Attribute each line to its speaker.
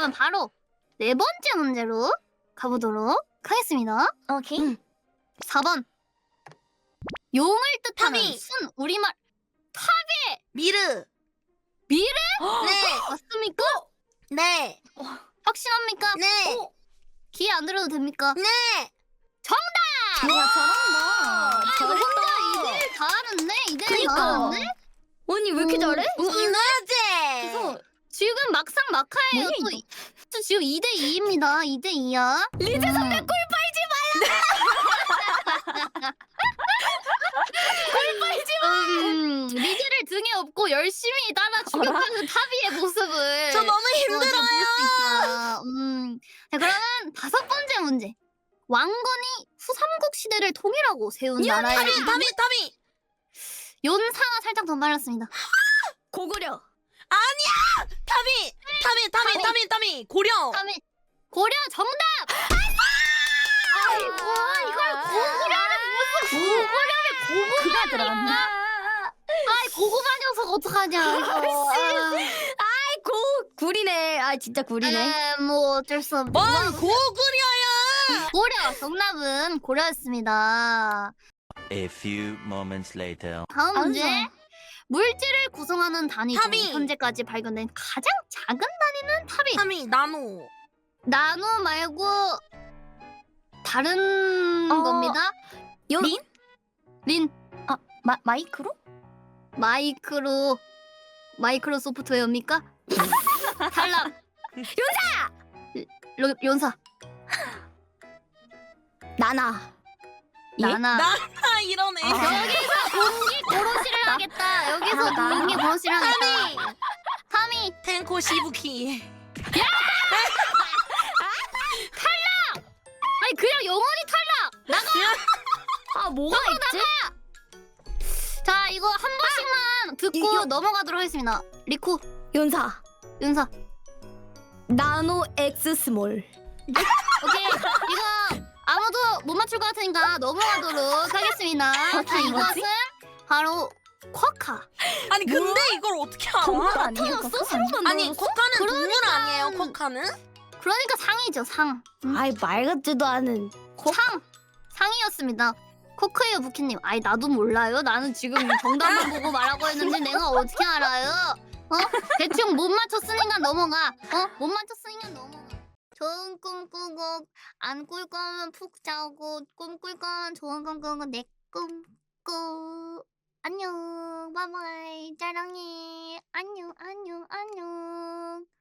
Speaker 1: 그러면 바로 네 번째 문제로 가보도록 하겠습니다.
Speaker 2: 오케이.
Speaker 1: 4번. 용을 뜻하는
Speaker 2: 탑이.
Speaker 1: 순 우리말
Speaker 2: 미르.
Speaker 1: 미래?
Speaker 2: 네.
Speaker 1: 맞습니까?
Speaker 2: 네.
Speaker 1: 확신합니까?
Speaker 2: 네.
Speaker 1: 기회 안 들어도 됩니까?
Speaker 2: 네.
Speaker 1: 정답!
Speaker 2: 와, 잘한다.
Speaker 1: 이거 혼자 2대1 잘하는데? 2대1
Speaker 2: 그니까.
Speaker 1: 잘하는데?
Speaker 2: 언니 왜 이렇게 잘해? 이거지.
Speaker 1: 그래서 지금 막상 막하예요.
Speaker 2: 뭐야,
Speaker 1: 또,
Speaker 2: 이거?
Speaker 1: 또 지금 2대2입니다. 2대2야.
Speaker 2: 리즈 선배 꿀 빨지
Speaker 1: 리즈를 등에 업고 열심히 따라 죽여가는 타비의 모습을
Speaker 2: 저 너무
Speaker 1: 볼수
Speaker 2: 힘들어요.
Speaker 1: 있다. 자, 그러면 5번째 문제. 왕건이 후삼국 시대를 통일하고 세운 나라의 이름은?
Speaker 2: 타미.
Speaker 1: 연사가 살짝 더 빨랐습니다.
Speaker 2: 고구려. 아니야. 타미. 고려.
Speaker 1: 다음에 고려 정답! 아이고 이걸 고구려는 무슨 고구려를
Speaker 2: 그가
Speaker 1: 고구려
Speaker 2: 들어갔네.
Speaker 1: 아이 고구마 녀석 어떡하냐 이거.
Speaker 2: 구리네. 아 진짜 구리네.
Speaker 1: 뭐 어쩔 수 없네.
Speaker 2: 뭔 고구려야?
Speaker 1: 고려 정답은 고려였습니다.
Speaker 3: A few moments later.
Speaker 1: 다음 문제.
Speaker 2: 알았어.
Speaker 1: 물질을 구성하는 단위 중
Speaker 2: 탑이.
Speaker 1: 현재까지 발견된 가장 작은 단위는 탑이.
Speaker 2: 타미 나노.
Speaker 1: 나노 말고 다른 겁니다.
Speaker 2: 린?
Speaker 1: 린
Speaker 2: 마이크로?
Speaker 1: 마이크로 소프트웨어입니까? 탈락. 연사.
Speaker 2: 나나.
Speaker 1: 나나.
Speaker 2: 이러네.
Speaker 1: 여기서 공기 고로시를 하겠다. 여기서 공기 고로시를 하겠다. 타미.
Speaker 2: 텐코 시부키.
Speaker 1: 아니 그냥 영원히 탈락.
Speaker 2: 아 뭐가 있지?
Speaker 1: 자 이거 한 번씩만 듣고
Speaker 2: 이거-
Speaker 1: 넘어가도록 하겠습니다. 리쿠.
Speaker 2: 연사.
Speaker 1: 연사.
Speaker 2: 나노 엑스 스몰.
Speaker 1: 오케이. 이거 아무도 못 맞출 것 같으니까 넘어가도록 하겠습니다. 자 이것은 바로 쿼카.
Speaker 4: 아니 근데 이걸 어떻게 알아?
Speaker 2: 동물 아니에요?
Speaker 1: 나타났어?
Speaker 2: 그거?
Speaker 1: 새로 만들었어?
Speaker 4: 아니 코카는 동물
Speaker 1: 그러니까.
Speaker 4: 아니에요? 코카는?
Speaker 1: 그러니까 상이죠 상.
Speaker 2: 아이 말 같지도 않은.
Speaker 1: 상이었습니다. 코크예요 부키님. 아이 나도 몰라요. 나는 지금 정답만 보고 말하고 했는데 내가 어떻게 알아요? 대충 못 맞췄으니까 넘어가. 못 맞췄으니까 넘어가. 좋은 꿈 꾸고 안 꿀 거면 푹 자고 꿈 꿀 거면 좋은 꿈 꾸고 내 꿈 꾸. 안녕 바이바이 사랑해. 안녕.